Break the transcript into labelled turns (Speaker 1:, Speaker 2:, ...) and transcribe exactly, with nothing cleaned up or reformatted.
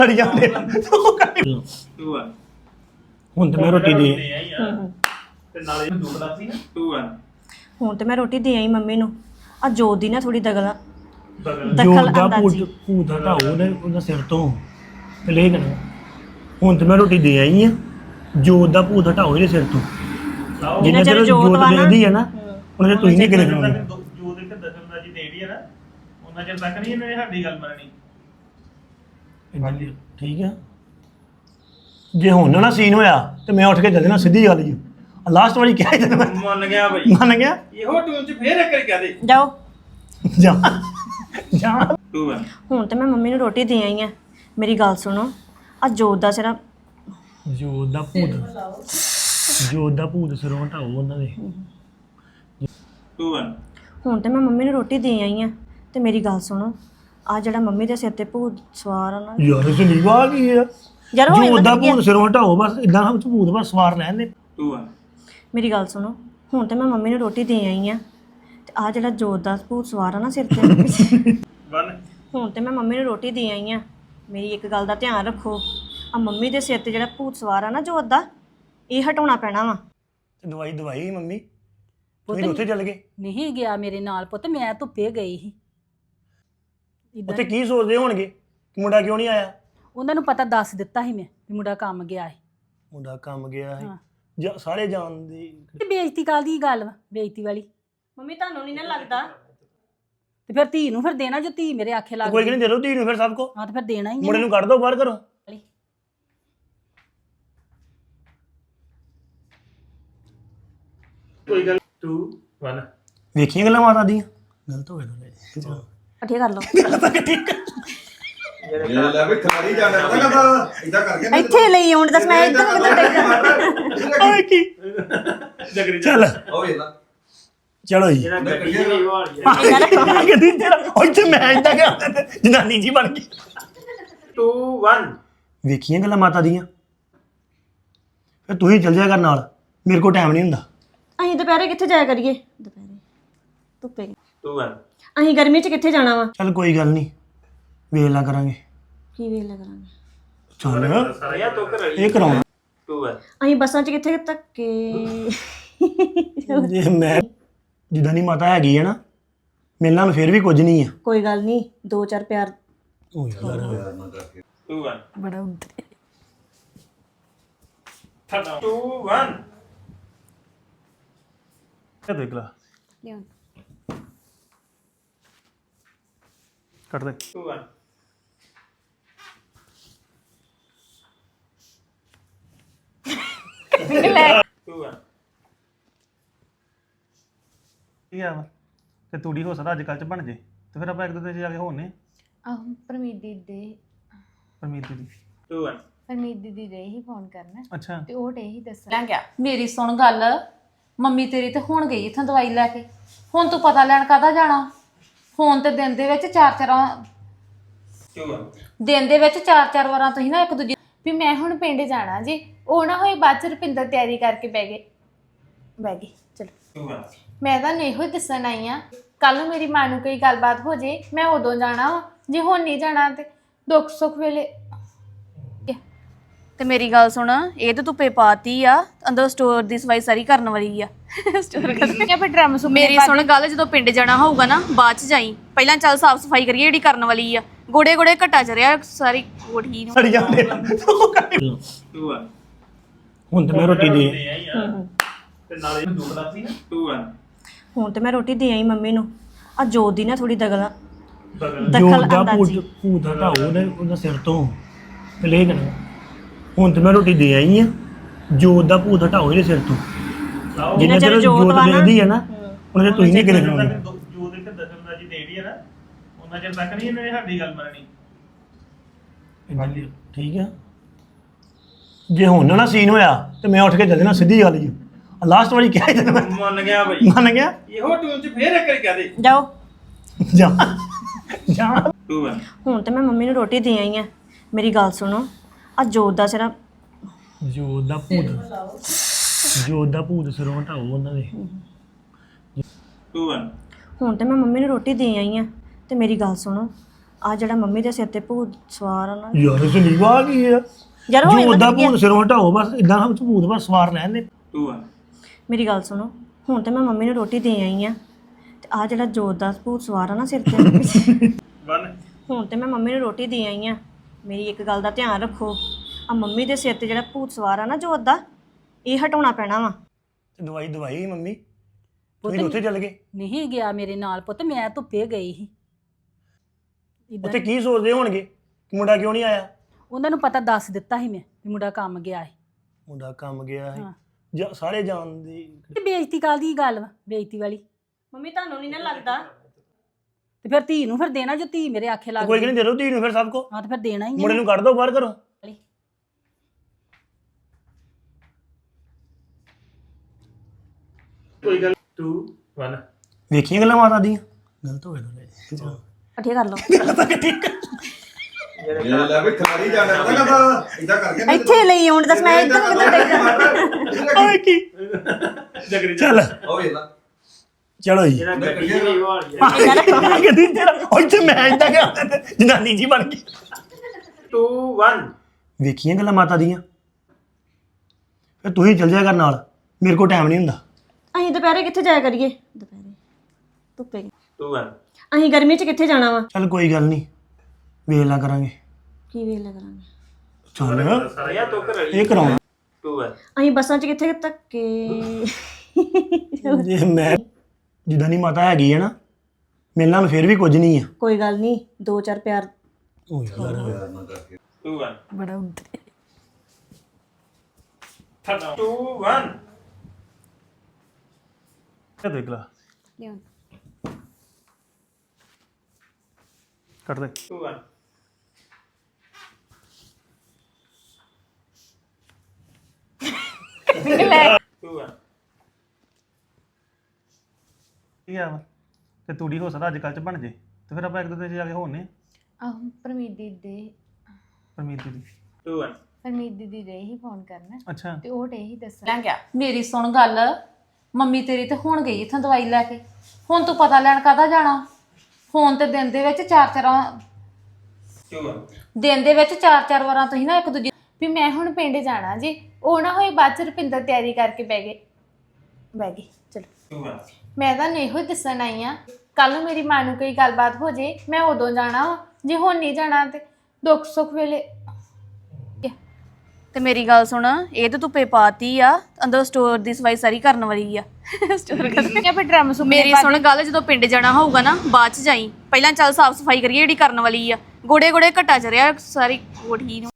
Speaker 1: ਛੱਡ ਜਾਂਦੇ
Speaker 2: to one
Speaker 1: ਹੁਣ ਤੇ ਮੈਂ ਰੋਟੀ ਦੇ
Speaker 2: ਤੇ ਨਾਲੇ ਦੋ ਗਲਾਸ ਸੀ ਨਾ ਟੂ ਵਨ
Speaker 3: ਹੁਣ ਤੇ ਮੈਂ ਰੋਟੀ ਦੇ ਆਈ ਮੰਮੀ ਨੂੰ ਆ ਜੋਤ ਦੀ ਨਾ ਥੋੜੀ ਦਗਲਾ
Speaker 1: ਜੋ
Speaker 3: ਦਖਲ
Speaker 1: ਦਾ
Speaker 3: ਅੰਦਾਜ਼ੀ
Speaker 1: ਭੂਤ ਭੂਤ ਹਟਾਓ ਉਹਦੇ ਉਹਦਾ ਸਿਰ ਤੋਂ ਤੇ ਲੈ ਕਰਨਾ ਹੁਣ ਤੇ ਮੈਂ ਰੋਟੀ ਦੇ ਆਈ ਆ ਜੋ ਦਾ ਭੂਤ ਹਟਾਓ ਇਹਦੇ ਸਿਰ ਤੋਂ ਜਿੰਨਾ ਚਿਰ ਜੋਤ ਦੇਖਦੀ ਹੈ ਨਾ ਉਹਨਾਂ ਤੁਸੀਂ ਨਹੀਂ ਕਿਲੇ ਕਰਾਉਂਦੇ
Speaker 2: ਜੋ ਦੇ ਤੇ ਦਸਮ ਦਾ ਜੀ ਦੇੜੀ ਹੈ ਨਾ ਉਹਨਾਂ ਚਿਰ ਤੱਕ ਨਹੀਂ ਇਹਨੇ ਸਾਡੀ ਗੱਲ ਮੰਨਣੀ
Speaker 1: ਠੀਕ ਆ ਜੇ ਹੁਣ ਨਾ ਸੀਨ ਹੋਇਆ ਤੇ ਮੈਂ ਉੱਠ ਕੇ ਚੱਲ ਜਾਣਾ ਸਿੱਧੀ ਗੱਲ ਜੀ ਲਾਸਟ ਵਾਰੀ ਕਿਹਾ ਹੀ ਮੈਂ
Speaker 2: ਮੰਨ ਗਿਆ ਭਾਈ
Speaker 1: ਮੰਨ ਗਿਆ
Speaker 2: ਇਹੋ ਟੂਨ ਚ ਫੇਰ ਇੱਕ ਵਾਰੀ ਕਹਦੇ
Speaker 3: ਜਾਓ
Speaker 1: ਜਾ ਜਾ
Speaker 2: ਟੂ ਵਨ
Speaker 3: ਹੁਣ ਤੇ ਮੈਂ ਮੰਮੀ ਨੂੰ ਰੋਟੀ ਦੇ ਆਈ ਆ ਮੇਰੀ ਗੱਲ ਸੁਣੋ ਆ ਜੋਤ ਦਾ ਸਿਰ
Speaker 1: ਜੋ ਦਾ ਭੂਤ ਜੋ ਦਾ ਭੂਤ ਸਿਰੋਂ ਹਟਾਓ ਉਹਨਾਂ ਦੇ
Speaker 2: ਟੂ ਵਨ
Speaker 3: ਹੁਣ ਤੇ ਮੈਂ ਮੰਮੀ ਨੂੰ ਰੋਟੀ ਦੇ ਆਈ ਆ ਤੇ ਮੇਰੀ ਗੱਲ ਸੁਣੋ ਆ ਜਿਹੜਾ ਮੰਮੀ ਦੇ ਸਿਰ ਤੇ ਭੂਤ ਸਵਾਰ ਆ ਨਾ
Speaker 1: ਯਾਰ ਇਹ ਨਹੀਂ ਵਾ ਕੀ ਆ
Speaker 3: ਯਾਰ ਹੋਏ
Speaker 1: ਜੋ ਦਾ
Speaker 3: ਪਤਾ ਕੀ
Speaker 1: ਭੂਤ ਸਿਰੋਂ ਹਟਾਓ ਬਸ ਇਦਾਂ ਹਮ ਭੂਤ ਬਸ ਸਵਾਰ ਲੈਣ ਦੇ
Speaker 2: ਟੂ ਵਨ
Speaker 3: ਮੇਰੀ ਗੱਲ ਸੁਣੋ ਹੁਣ ਤੇ ਮੈਂ ਮੰਮੀ ਨੂੰ ਰੋਟੀ ਦੇ ਆਈ ਆ ਤੇ ਆ ਜਿਹੜਾ ਜੋਤ ਦਾ ਭੂਤ ਸਵਾਰ ਆ ਨਾ ਸਿਰ ਤੇ
Speaker 2: ਵਨ
Speaker 3: ਹੁਣ ਤੇ ਮੈਂ ਮੰਮੀ ਨੂੰ ਰੋਟੀ ਦੇ ਆਈ ਆ ਮੇਰੀ ਇੱਕ ਗੱਲ ਦਾ ਧਿਆਨ ਰੱਖੋ ਆ ਮੰਮੀ ਦੇ ਸਿਰ ਤੇ ਜਿਹੜਾ ਭੂਤ ਸਵਾਰ ਆ ਨਾ ਜੋਤ ਦਾ ਇਹ ਹਟਾਉਣਾ ਪੈਣਾ ਵਾ
Speaker 1: ਤੇ ਦਵਾਈ ਦਵਾਈ ਮੰਮੀ ਤੁਸੀਂ ਉੱਥੇ ਚੱਲ ਗਏ
Speaker 4: ਨਹੀਂ ਗਿਆ ਮੇਰੇ ਨਾਲ ਪੁੱਤ ਮੈਂ ਧੁੱਪੇ ਗਈ ਸੀ ਇਦਾਂ
Speaker 1: ਉੱਥੇ ਕੀ ਸੋਚਦੇ ਹੋਣਗੇ ਕਿ ਮੁੰਡਾ ਕਿਉਂ ਨਹੀਂ ਆਇਆ
Speaker 4: ਉਹਨਾਂ ਨੂੰ ਪਤਾ ਦੱਸ ਦਿੱਤਾ ਸੀ ਮੈਂ ਵੀ ਮੁੰਡਾ ਕੰਮ ਗਿਆ ਹੈ
Speaker 1: ਮੁੰਡਾ ਕੰਮ ਗਿਆ ਹੈ
Speaker 4: ਹਾਂ।
Speaker 1: ਜਾਂ ਸਾਰੇ ਜਾਣਦੇ
Speaker 4: ਤੇ ਬੇਇੱਜ਼ਤੀ ਕਾਲ ਦੀ ਗੱਲ ਵਾ ਬੇਇੱਜ਼ਤੀ ਵਾਲੀ
Speaker 3: ਮੰਮੀ ਤੁਹਾਨੂੰ ਨਹੀਂ ਨਾ ਲੱਗਦਾ
Speaker 4: ਤੇ ਫਿਰ ਧੀ ਨੂੰ ਫਿਰ ਦੇਣਾ ਜੋ ਧੀ ਮੇਰੇ ਆਖੇ ਲੱਗ
Speaker 1: ਕੋਈ ਨਹੀਂ ਦੇ ਲਓ ਧੀ ਨੂੰ ਫਿਰ ਸਭ ਕੋ
Speaker 4: ਹਾਂ ਤੇ ਫਿਰ ਦੇਣਾ ਹੀ
Speaker 1: ਮੁੰਡੇ
Speaker 4: ਹੈ
Speaker 1: ਨੂੰ ਕੱਢ ਦੋ ਬਾਹਰ ਕਰੋ
Speaker 2: ਕੋਈ ਗੱਲ ਟੂ ਵਨ
Speaker 1: ਵੇਖੀਆਂ ਗੱਲਾਂ ਮਾਤਾ ਦੀਆਂ ਗਲਤ ਹੋ ਗਿਆ
Speaker 3: ਇਕੱਠੇ ਕਰ ਲਓ
Speaker 5: ਇਹ ਲੈ ਵੀ ਖਿਲਾੜੀ ਜਾਣਾ ਪਤਾ ਕਰਦਾ ਇਦਾਂ ਕਰਕੇ
Speaker 3: ਇੱਥੇ ਲਈ ਆਉਣ ਦੱਸ ਮੈਂ ਇੱਧਰ ਨੂੰ ਕਿੱਧਰ
Speaker 1: ਓਏ ਕੀ
Speaker 2: ਜਗਰੀ
Speaker 1: ਚੱਲ
Speaker 5: ਉਹ ਵੇਖ ਲਾ
Speaker 1: ਚਲੋ ਜੀ
Speaker 2: ਜਿਹੜਾ ਗੱਡੀ ਦੀ ਵਾਲੀ
Speaker 3: ਡੇਗਾ
Speaker 1: ਕਿਹਦੀ ਤੇਰਾ ਇੱਥੇ ਮੈਂ ਇਦਾਂ ਕਿ ਜਨਾਨੀ ਜੀ ਬਣ ਗਈ
Speaker 2: ਟੂ ਵਨ
Speaker 1: ਵੇਖੀਆਂ ਗੱਲਾਂ ਮਾਤਾ ਦੀਆਂ ਫਿਰ ਤੂੰ ਹੀ ਚੱਲ ਜਾਇਆ ਕਰ ਨਾਲ ਮੇਰੇ ਕੋਲ ਟਾਈਮ ਨਹੀਂ ਹੁੰਦਾ
Speaker 3: ਅਸੀਂ ਦੁਪਹਿਰੇ ਕਿੱਥੇ ਜਾਇਆ ਕਰੀਏ ਦੁਪਹਿਰੇ ਧੁੱਪੇ
Speaker 2: ਟੂ ਵਨ
Speaker 3: ਅਸੀਂ ਗਰਮੀ 'ਚ ਕਿੱਥੇ ਜਾਣਾ ਵਾ
Speaker 1: ਚੱਲ ਕੋਈ ਗੱਲ ਨਹੀਂ ਵੇਖ ਲਾ ਕਰਾਂਗੇ
Speaker 3: ਕੀ ਵੇਲੇ ਕਰਾਂਗੇ
Speaker 1: ਚੱਲ
Speaker 2: ਸਾਰਿਆ ਤੋਂ ਕਰ
Speaker 1: ਇਹ ਕਰਾਉਣਾ
Speaker 2: ਟੂ ਵਨ
Speaker 3: ਅਸੀਂ ਬੱਸਾਂ 'ਚ ਕਿੱਥੇ ਧੱਕੇ
Speaker 1: ਜੇ ਮੈਂ ਜਿੱਦਾਂ ਦੀ ਮਾਤਾ ਹੈਗੀ ਹੈ ਨਾ ਮੇਰੇ ਨਾਲ ਫਿਰ ਵੀ ਕੁਝ ਨਹੀਂ ਆ
Speaker 3: ਕੋਈ ਗੱਲ ਨਹੀਂ ਦੋ ਚਾਰ ਪਿਆਰ
Speaker 1: ਓ ਯਾਰ
Speaker 2: ਟੂ ਵਨ
Speaker 4: ਬੜਾ ਉੱਤੇ
Speaker 2: ਟੂ ਵਨ
Speaker 1: ਇਹ ਦੇਖ ਲਾ ਕੱਟ ਦੇ
Speaker 2: ਟੂ ਵਨ ਟੂ ਵਨ
Speaker 1: ਕੀ ਆ ਵਾ ਤੇ ਤੂੜੀ ਹੋ ਸਕਦਾ ਅੱਜ ਕੱਲ ਚ ਬਣ ਜੇ ਤੇ ਫਿਰ ਆਪਾਂ ਇੱਕ ਦੂਜੇ ਚ ਜਾ ਕੇ ਹੋਣੇ
Speaker 6: ਆਹੋ ਪਰਮੀਤ ਦੀਦੀ ਦੇ
Speaker 1: ਪਰਮੀਤ ਦੀ
Speaker 2: ਟੂ ਵਨ
Speaker 6: ਪਰਮੀਤ ਦੀਦੀ ਦੇ ਹੀ ਫੋਨ ਕਰਨਾ
Speaker 1: ਅੱਛਾ
Speaker 6: ਤੇ ਉਹ ਡੇ ਹੀ ਦੱਸਣਾ
Speaker 7: ਲੈ ਗਿਆ ਮੇਰੀ ਸੁਣ ਗੱਲ ਮੰਮੀ ਤੇਰੀ ਤੇ ਹੁਣ ਗਈ ਇੱਥੋਂ ਦਵਾਈ ਲੈ ਕੇ ਹੁਣ ਤੂੰ ਪਤਾ ਲੈਣ ਕਾਹਦਾ ਜਾਣਾ ਫੋਨ ਤੇ ਦਿਨ ਦੇ ਵਿੱਚ ਚਾਰ ਚਾਰ
Speaker 2: ਟੂ ਵਨ
Speaker 7: ਦਿਨ ਦੇ ਵਿੱਚ ਚਾਰ ਚਾਰ ਵਾਰਾਂ ਤੁਸੀਂ ਨਾ ਇੱਕ ਦੂਜੀ
Speaker 6: ਵੀ ਮੈਂ ਹੁਣ ਪਿੰਡ ਜਾਣਾ ਜੀ ਉਹ ਨਾ ਹੋਈ ਬਾਅਦ ਚ ਰੁਪਿੰਦਰ ਤਿਆਰੀ ਕਰਕੇ ਬਹਿ ਗਏ ਬਹਿ ਗਏ ਚਲੋ
Speaker 2: ਟੂ ਵਨ
Speaker 6: ਮੈਂ ਤਾਂ ਇਹੋ ਹੀ ਦੱਸਣ ਆਈ ਆ ਕੱਲ ਨੂੰ ਮੇਰੀ ਮਾਂ ਨੂੰ ਕੋਈ ਗੱਲਬਾਤ ਹੋ ਜੇ ਮੈਂ ਉਦੋਂ ਜਾਣਾ ਵਾ ਜੇ ਹੁਣ ਨਹੀਂ ਜਾਣਾ ਤੇ ਦੁੱਖ ਸੁੱਖ ਵੇਲੇ
Speaker 8: ਤੇ ਮੇਰੀ ਗੱਲ ਸੁਣ ਇਹ ਤਾਂ ਧੁੱਪੇ ਪਾਤੀ ਆ ਅੰਦਰ ਸਟੋਰ ਦੀ ਸਫਾਈ ਸਾਰੀ ਕਰਨ ਵਾਲੀ ਆ ਸਟੋਰ ਕਰਨੀ
Speaker 6: ਜਾਂ ਫਿਰ ਡਰਮ ਸੁ
Speaker 8: ਮੇਰੀ ਸੁਣ ਗੱਲ ਜਦੋਂ ਪਿੰਡ ਜਾਣਾ ਹੋਊਗਾ ਨਾ ਬਾਅਦ ਚ ਜਾਈ ਪਹਿਲਾਂ ਚੱਲ ਸਾਫ ਸਫਾਈ ਕਰੀਏ ਜਿਹੜੀ ਕਰਨ ਵਾਲੀ ਆ ਗੋੜੇ ਗੋੜੇ ਘਟਾ ਚ ਰਿਆ ਸਾਰੀ ਕੋਠੀ ਨੂੰ
Speaker 1: ਸੜ ਜਾਂਦੇ
Speaker 2: ਟੂ ਵਨ
Speaker 1: ਹੁਣ ਤੇ ਮੈਂ ਰੋਟੀ ਦੇ
Speaker 2: ਤੇ ਨਾਲੇ ਦੋ ਗਲਾਸ ਸੀ ਨਾ ਟੂ ਵਨ
Speaker 3: ਹੁਣ ਤੇ ਮੈਂ ਰੋਟੀ ਦੇ ਆਈ ਮੰਮੀ ਨੂੰ ਆ ਜੋਤ ਦੀ ਨਾ ਥੋੜੀ ਦਗਲਾ
Speaker 1: ਜੋ
Speaker 3: ਦਖਲ
Speaker 1: ਦਾ ਭੂਤ
Speaker 3: ਅੰਦਾਜ਼ੀ
Speaker 1: ਭੂਤ ਹਟਾਓ ਉਹਦੇ ਉਹਦਾ ਸਿਰ ਤੋਂ ਤੇ ਲੈ ਕਰਨਾ ਹੁਣ ਤੇ ਮੈਂ ਰੋਟੀ ਦੇ ਆਈ ਆ ਜੋ ਦਾ ਭੂਤ ਹਟਾਓ ਇਹਦੇ ਸਿਰ ਤੋਂ ਜਿੰਨਾ ਚਿਰ ਜੋਤ ਦੇਖਦੀ ਹੈ ਨਾ ਉਹਨਾਂ ਚਿਰ ਤੁਸੀਂ ਨਹੀਂ ਕਿਲੇ ਕਰਾਉਂਦੇ
Speaker 2: ਜੋ ਦੇ ਤੇ ਦਸਮ ਦਾ ਜੀ ਦੇੜੀ ਹੈ ਨਾ ਉਹਨਾਂ ਚਿਰ ਤੱਕ ਨਹੀਂ ਇਹਨੇ ਸਾਡੀ ਗੱਲ ਮੰਨਣੀ
Speaker 1: ਠੀਕ ਆ ਜੇ ਹੁਣ ਨਾ ਸੀਨ ਹੋਇਆ ਤੇ ਮੈਂ ਉੱਠ ਕੇ ਚੱਲ ਜਾਣਾ ਸਿੱਧੀ ਗੱਲ ਜੀ ਲਾਸਟ ਵਾਰੀ ਕਿਹਾ ਹੀ ਮੈਂ
Speaker 2: ਮੰਨ ਗਿਆ ਭਾਈ
Speaker 1: ਮੰਨ ਗਿਆ
Speaker 2: ਇਹੋ ਟੂਨ ਚ ਫੇਰ ਇੱਕ ਵਾਰੀ ਕਹਦੇ
Speaker 3: ਜਾਓ
Speaker 1: ਜਾ ਜਾ
Speaker 2: ਟੂ ਵਨ
Speaker 3: ਹੁਣ ਤੇ ਮੈਂ ਮੰਮੀ ਨੂੰ ਰੋਟੀ ਦੇ ਆਈ ਆ ਮੇਰੀ ਗੱਲ ਸੁਣੋ ਆ ਜੋਤ ਦਾ ਸਿਰ
Speaker 1: ਜੋ ਦਾ ਭੂਤ ਜੋ ਦਾ ਭੂਤ ਸਿਰੋਂ ਹਟਾਓ ਉਹਨਾਂ ਦੇ
Speaker 2: ਟੂ ਵਨ
Speaker 3: ਹੁਣ ਤੇ ਮੈਂ ਮੰਮੀ ਨੂੰ ਰੋਟੀ ਦੇ ਆਈ ਆ ਤੇ ਮੇਰੀ ਗੱਲ ਸੁਣੋ ਆ ਜਿਹੜਾ ਮੰਮੀ ਦੇ ਸਿਰ ਤੇ ਭੂਤ ਸਵਾਰ ਆ ਨਾ
Speaker 1: ਯਾਰ ਸੰਦੀਪ ਆ ਕੀ ਆ
Speaker 3: ਯਾਰ
Speaker 1: ਜੋ
Speaker 3: ਹੋਏ
Speaker 1: ਉਹਦਾ
Speaker 3: ਮਤਲਬ ਕੀ ਆ?
Speaker 1: ਭੂਤ ਸਿਰੋਂ ਹਟਾਓ ਬਸ ਇਦਾਂ ਹਮ ਭੂਤ ਬਸ ਸਵਾਰ ਲੈਣ ਦੇ
Speaker 2: ਟੂ ਵਨ
Speaker 3: ਮੇਰੀ ਗੱਲ ਸੁਣੋ ਹੁਣ ਤੇ ਮੈਂ ਮੰਮੀ ਨੂੰ ਰੋਟੀ ਦੇ ਆਈ ਆ ਤੇ ਆ ਜਿਹੜਾ ਜੋਤ ਦਾ ਭੂਤ ਸਵਾਰ ਆ ਨਾ ਸਿਰ ਤੇ
Speaker 2: ਵਨ
Speaker 3: ਹੁਣ ਤੇ ਮੈਂ ਮੰਮੀ ਨੂੰ ਰੋਟੀ ਦੇ ਆਈ ਆ ਮੇਰੀ ਇੱਕ ਗੱਲ ਦਾ ਧਿਆਨ ਰੱਖੋ ਆ ਮੰਮੀ ਦੇ ਸਿਰ ਤੇ ਜਿਹੜਾ ਭੂਤ ਸਵਾਰ ਆ ਨਾ ਜੋਤ ਦਾ ਇਹ ਹਟਾਉਣਾ ਪੈਣਾ ਵਾ
Speaker 1: ਤੇ ਦਵਾਈ ਦਵਾਈ ਮੰਮੀ ਤੁਸੀਂ ਉੱਥੇ ਚੱਲ ਗਏ
Speaker 4: ਨਹੀਂ ਗਿਆ ਮੇਰੇ ਨਾਲ ਪੁੱਤ ਮੈਂ ਧੁੱਪੇ ਗਈ ਸੀ
Speaker 1: ਉੱਥੇ
Speaker 4: ਇਦਾਂ
Speaker 1: ਕੀ ਸੋਚਦੇ ਹੋਣਗੇ ਕਿ ਮੁੰਡਾ ਕਿਉਂ ਨਹੀਂ ਆਇਆ
Speaker 4: ਉਹਨਾਂ ਨੂੰ ਪਤਾ ਦੱਸ ਦਿੱਤਾ ਸੀ ਮੈਂ ਵੀ ਮੁੰਡਾ ਕੰਮ ਗਿਆ ਸੀ
Speaker 1: ਮੁੰਡਾ ਕੰਮ ਗਿਆ ਹੈ
Speaker 4: ਹਾਂ।
Speaker 1: ਜਾਂ ਸਾਰੇ ਜਾਣਦੇ
Speaker 4: ਤੇ ਬੇਇੱਜ਼ਤੀ ਕਾਹਦੀ ਗੱਲ ਵਾ ਬੇਇੱਜ਼ਤੀ ਵਾਲੀ
Speaker 3: ਮੰਮੀ ਤੁਹਾਨੂੰ ਨਹੀਂ ਨਾ ਲੱਗਦਾ
Speaker 4: ਤੇ ਫਿਰ ਧੀ ਨੂੰ ਫਿਰ ਦੇਣਾ ਜੋ ਧੀ ਮੇਰੇ ਆਖੇ ਲੱਗ
Speaker 1: ਕੋਈ
Speaker 4: ਗਈ।
Speaker 1: ਨਹੀਂ ਦੇ ਦੋ ਧੀ ਨੂੰ ਫਿਰ ਸਭ ਕੋ
Speaker 4: ਹਾਂ ਤੇ ਫਿਰ ਦੇਣਾ ਹੀ
Speaker 1: ਮੁੰਡੇ
Speaker 4: ਹੈ
Speaker 1: ਨੂੰ ਕੱਢ ਦੋ ਬਾਹਰ ਕਰੋ
Speaker 2: ਕੋਈ ਗੱਲ ਟੂ ਵਨ
Speaker 1: ਵੇਖੀਆਂ ਗੱਲਾਂ ਮਾਤਾ ਦੀਆਂ ਗਲਤ ਹੋ ਗਿਆ
Speaker 3: ਇਕੱਠੇ ਕਰ ਲਓ
Speaker 5: ਇਹ ਲੈ ਵੀ ਖਿਲਾੜੀ ਜਾਣਾ ਪਤਾ ਕਦਾ ਇਦਾਂ ਕਰਕੇ
Speaker 3: ਇੱਥੇ ਲਈ ਆਉਣ ਦੱਸ ਮੈਂ ਇੱਧਰ ਕਿੱਧਰ
Speaker 1: ਓਏ ਕੀ
Speaker 2: ਜਗਰੀ
Speaker 1: ਚੱਲ
Speaker 5: ਉਹ ਵੇਖ ਲਾ
Speaker 1: ਚਲੋ ਜੀ
Speaker 2: ਜਿਹੜਾ ਗੱਡੀ ਦੀ ਵਾਲੀ
Speaker 1: ਕਦੀ ਤੇਰਾ ਉੱਥੇ ਮੈਂ ਇਦਾਂ ਗਿਆ ਜਨਾਨੀ ਜੀ ਬਣ ਗਈ
Speaker 2: ਟੂ ਵਨ
Speaker 1: ਵੇਖੀਆਂ ਗੱਲਾਂ ਮਾਤਾ ਦੀਆਂ ਫਿਰ ਤੁਸੀਂ ਚੱਲ ਜਾਇਆ ਕਰ ਨਾਲ ਮੇਰੇ ਕੋਲ ਟਾਈਮ ਨਹੀਂ ਹੁੰਦਾ
Speaker 3: ਅਸੀਂ ਦੁਪਹਿਰੇ ਕਿੱਥੇ ਜਾਇਆ ਕਰੀਏ ਦੁਪਹਿਰੇ ਧੁੱਪੇ
Speaker 2: ਟੂ ਵਨ
Speaker 3: ਅਸੀਂ ਗਰਮੀ 'ਚ ਕਿੱਥੇ ਜਾਣਾ ਵਾ
Speaker 1: ਚੱਲ ਕੋਈ ਗੱਲ ਨਹੀਂ ਵੇਖ ਲਾ ਕਰਾਂਗੇ
Speaker 3: ਕੀ ਵੇਖ ਲਿਆ ਕਰਾਂਗੇ
Speaker 1: ਚੱਲ
Speaker 2: ਸਾਰਿਆ ਤੋਂ ਕਰ
Speaker 1: ਇਹ ਕਰਾਉਣਾ
Speaker 2: ਟੂ ਵਨ
Speaker 3: ਅਸੀਂ ਬੱਸਾਂ 'ਚ ਕਿੱਥੇ ਧੱਕੇ
Speaker 1: ਜੇ ਮੈਂ ਜਿੱਦਾਂ ਦੀ ਮਾਤਾ ਹੈਗੀ ਹੈ ਨਾ ਮੇਰੇ ਨਾਲ ਫਿਰ ਵੀ ਕੁਝ ਨਹੀਂ ਆ
Speaker 3: ਕੋਈ ਗੱਲ ਨਹੀਂ ਦੋ ਚਾਰ ਪਿਆਰ
Speaker 1: ਓ ਯਾਰ
Speaker 2: ਟੂ ਵਨ
Speaker 4: ਬੜਾ ਉੱਧਰ
Speaker 2: ਟੂ ਵਨ
Speaker 1: ਇਹ ਦੇਖ ਲਾ ਕੱਟ ਦੇ
Speaker 2: ਟੂ ਵਨ ਟੂ ਵਨ
Speaker 9: ਕੀ ਆ ਵਾ ਤੇ ਤੂੜੀ ਹੋ ਸਕਦਾ ਅੱਜ ਕੱਲ੍ਹ ਚ ਬਣ ਜੇ ਤੇ ਫਿਰ ਆਪਾਂ ਇੱਕ ਦੋ ਦਿਨ 'ਚ ਜਾ ਕੇ ਹੋਣੇ
Speaker 6: ਆਹ ਪਰਮੀਤ ਦੀਦੀ
Speaker 9: ਪਰਮੀਤ ਦੀ
Speaker 2: ਟੂ ਵਨ
Speaker 6: ਪਰਮੀਤ ਦੀਦੀ ਦੇ ਹੀ ਫੋਨ ਕਰਨਾ
Speaker 9: ਅੱਛਾ
Speaker 6: ਤੇ ਉਹ ਡੇ ਹੀ ਦੱਸਣਾ ਗਿਆ
Speaker 7: ਮੇਰੀ ਸੁਣ ਗੱਲ ਮੰਮੀ ਤੇਰੀ ਤੇ ਹੁਣ ਗਈ ਇੱਥੋਂ ਦਵਾਈ ਲੈ ਕੇ ਹੁਣ ਤੂੰ ਪਤਾ ਲੈਣ ਕਾਹਦਾ ਜਾਣਾ ਫੋਨ ਤੇ ਦਿਨ ਦੇ ਵਿੱਚ ਚਾਰ ਚਾਰਾਂ
Speaker 2: ਟੂ ਵਨ
Speaker 7: ਦਿਨ ਦੇ ਵਿੱਚ ਚਾਰ ਚਾਰ ਵਾਰਾਂ ਤੁਸੀਂ ਨਾ ਇੱਕ ਦੂਜੇ
Speaker 6: ਵੀ ਮੈਂ ਹੁਣ ਪਿੰਡ ਜਾਣਾ ਜੀ ਉਹ ਨਾ ਹੋਏ ਬਾਅਦ ਚ ਰੁਪਿੰਦਰ ਤਿਆਰੀ ਕਰਕੇ ਬਹਿ ਗਏ ਬਹਿ ਗਏ ਚਲੋ
Speaker 2: ਟੂ ਵਨ
Speaker 6: ਮੈਂ ਤਾਂ ਇਹੋ ਹੀ ਦੱਸਣ ਆਈ ਆ ਕੱਲ ਨੂੰ ਮੇਰੀ ਮਾਂ ਨੂੰ ਕੋਈ ਗੱਲਬਾਤ ਹੋ ਜੇ ਮੈਂ ਉਦੋਂ ਜਾਣਾ ਵਾ ਜੇ ਹੁਣ ਨਹੀਂ ਜਾਣਾ ਤੇ ਦੁੱਖ ਸੁੱਖ ਵੇਲੇ
Speaker 8: ਤੇ ਮੇਰੀ ਗੱਲ ਸੁਣ ਇਹ ਤਾਂ ਧੁੱਪੇ ਪਾਤੀ ਆ ਅੰਦਰ ਸਟੋਰ ਦੀ ਸਫਾਈ ਸਾਰੀ ਕਰਨ ਵਾਲੀ ਆ ਸਟੋਰ ਕਰਨ
Speaker 6: ਜਾਂ ਫਿਰ ਡਰਮ ਸੁ
Speaker 8: ਮੇਰੀ ਸੁਣ ਗੱਲ ਜਦੋਂ ਪਿੰਡ ਜਾਣਾ ਹੋਊਗਾ ਨਾ ਬਾਅਦ ਚ ਜਾਈ ਪਹਿਲਾਂ ਚੱਲ ਸਾਫ ਸਫਾਈ ਕਰੀਏ ਜਿਹੜੀ ਕਰਨ ਵਾਲੀ ਆ ਗੋੜੇ ਗੋੜੇ ਘਟਾ ਚ ਰਿਹਾ ਸਾਰੀ ਕੋਠੀ ਨੂੰ